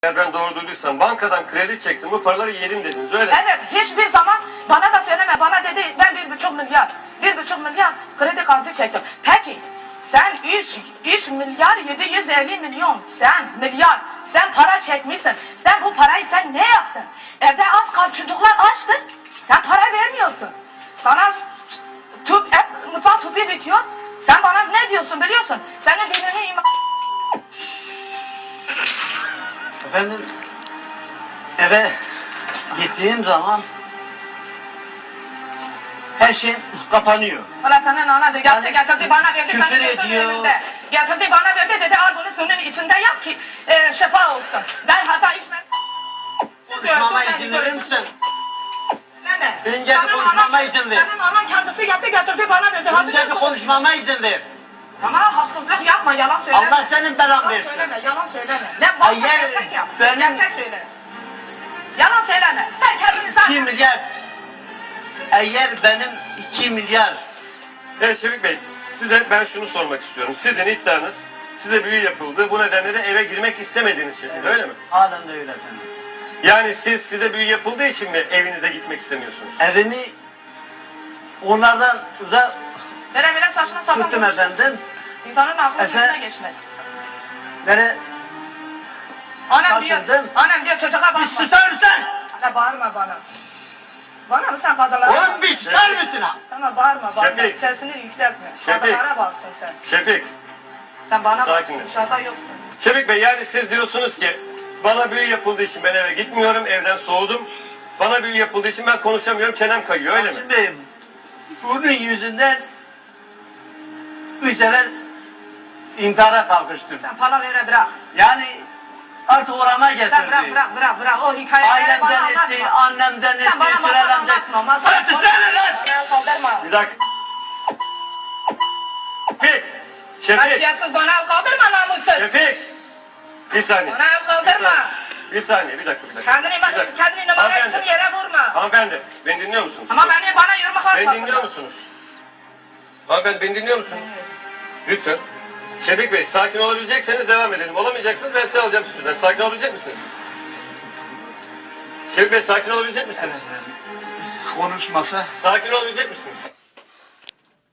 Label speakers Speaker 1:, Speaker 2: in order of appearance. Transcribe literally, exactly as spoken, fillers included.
Speaker 1: Eğer ben doğru duyduysam bankadan kredi çektim, bu paraları yedim dediniz, öyle mi?
Speaker 2: Evet, hiçbir zaman bana da söyleme. Bana dedi ben bir buçuk milyar, bir buçuk milyar kredi kartı çektim. Peki sen üç, üç milyar yedi yüz elli milyon, sen milyar, sen para çekmişsin. Sen bu parayı sen ne yaptın? Evde aç kal, çocuklar açtı. Sen para vermiyorsun. Sana tüp, hep mutfak tüpü bitiyor. Sen bana ne diyorsun biliyorsun? Senin dinini iman...
Speaker 3: Efendim, eve gittiğim zaman her şey kapanıyor.
Speaker 2: Ulan senin ana da yaptı,
Speaker 3: Yani
Speaker 2: getirdi bana verdi.
Speaker 3: küfür
Speaker 2: ben de
Speaker 3: ediyor.
Speaker 2: önünde. Getirdi bana verdi dedi al bunu suyunun içinde yap ki e, şifa olsun. Ben hata içmem.
Speaker 3: Konuşmama izin verir misin?
Speaker 2: Neme?
Speaker 3: Önce bir konuşmama izin ver.
Speaker 2: Senin anan kendisi yaptı getirdi bana verdi. Hadi
Speaker 3: Önce
Speaker 2: sen
Speaker 3: bir
Speaker 2: konuş.
Speaker 3: konuşmama izin ver.
Speaker 2: Ama haksızlık yapma, yalan söyleme.
Speaker 3: Allah senin belan
Speaker 2: Yalan
Speaker 3: versin.
Speaker 2: söyleme, yalan söyleme. Ne varsa
Speaker 3: Hayır,
Speaker 2: gerçek yap.
Speaker 3: benim-
Speaker 2: Gerçek söyle. Yalan söyleme. Sen kendini zaten...
Speaker 3: iki milyar. Eğer benim iki milyar.
Speaker 1: Evet Şefik Bey, size ben şunu sormak istiyorum. Sizin iddianız, size büyü yapıldı, bu nedenle de eve girmek istemediğiniz şekilde, öyle mi?
Speaker 3: Halen de öyle efendim.
Speaker 1: Yani siz, size büyü yapıldığı için mi evinize gitmek istemiyorsunuz?
Speaker 3: Evimi onlardan uzak
Speaker 2: Vere vere saçma sapan
Speaker 3: tuttum
Speaker 2: konuşma.
Speaker 3: efendim.
Speaker 2: İnsanın aklının
Speaker 3: Efe-
Speaker 2: önüne geçmez.
Speaker 3: Böyle
Speaker 2: Annem diyor,
Speaker 3: Taşındım.
Speaker 2: annem diyor çocuğa bakma.
Speaker 3: bir susar mısın?
Speaker 2: Ana bağırma bana. Bana mı sen kadınlara
Speaker 3: Oğlum
Speaker 2: bağır?
Speaker 3: bir susar mısın ha?
Speaker 2: Tamam bağırma, bağırma.
Speaker 1: Şefik.
Speaker 2: Sesini yükseltme.
Speaker 1: Şefik.
Speaker 2: Kadınlara bağırsın sen.
Speaker 1: Şefik,
Speaker 2: Sen bana
Speaker 1: Sakinleş.
Speaker 2: bağırsın, dışarıda yoksun.
Speaker 1: Şefik Bey yani siz diyorsunuz ki bana büyü yapıldığı için ben eve gitmiyorum, evden soğudum. Bana büyü yapıldığı için ben konuşamıyorum, çenem kayıyor, öyle mi?
Speaker 3: Hasim Bey, bunun yüzünden üç sefer intihara kalkıştım.
Speaker 2: Sen para vere bırak.
Speaker 3: Yani artık orama
Speaker 2: Sen
Speaker 3: getirdi.
Speaker 2: bırak bırak bırak bırak. O hikayeleri bana
Speaker 3: Ailemden etti,
Speaker 2: anlatma.
Speaker 3: annemden etti,
Speaker 2: Sen bana masal
Speaker 3: sürelemden
Speaker 2: anlatma. Masal
Speaker 3: Hadi sen lan!
Speaker 2: Sen kaldırma.
Speaker 1: Bir dakika. Şefik! Şefik!
Speaker 2: Kasiyatsız bana el kaldırma namussuz.
Speaker 1: Şefik! Bir saniye.
Speaker 2: Bana el kaldırma.
Speaker 1: Bir saniye, bir dakika, bir dakika.
Speaker 2: Kendini,
Speaker 1: Bir dakika.
Speaker 2: kendini numara için
Speaker 1: Hanımefendi,
Speaker 2: yere vurma.
Speaker 1: hanımefendi, beni dinliyor musunuz?
Speaker 2: Ama beni bana yürüme kalkmasın.
Speaker 1: Beni dinliyor musunuz? Hanımefendi, beni dinliyor musunuz? Lütfen. Şefik Bey, sakin olabilecekseniz devam edelim. Olamayacaksınız, ben size alacağım stüdyodan. Sakin olabilecek misiniz? Şefik Bey, sakin olabilecek misiniz?
Speaker 4: Konuşmasa
Speaker 1: Sakin olabilecek misiniz?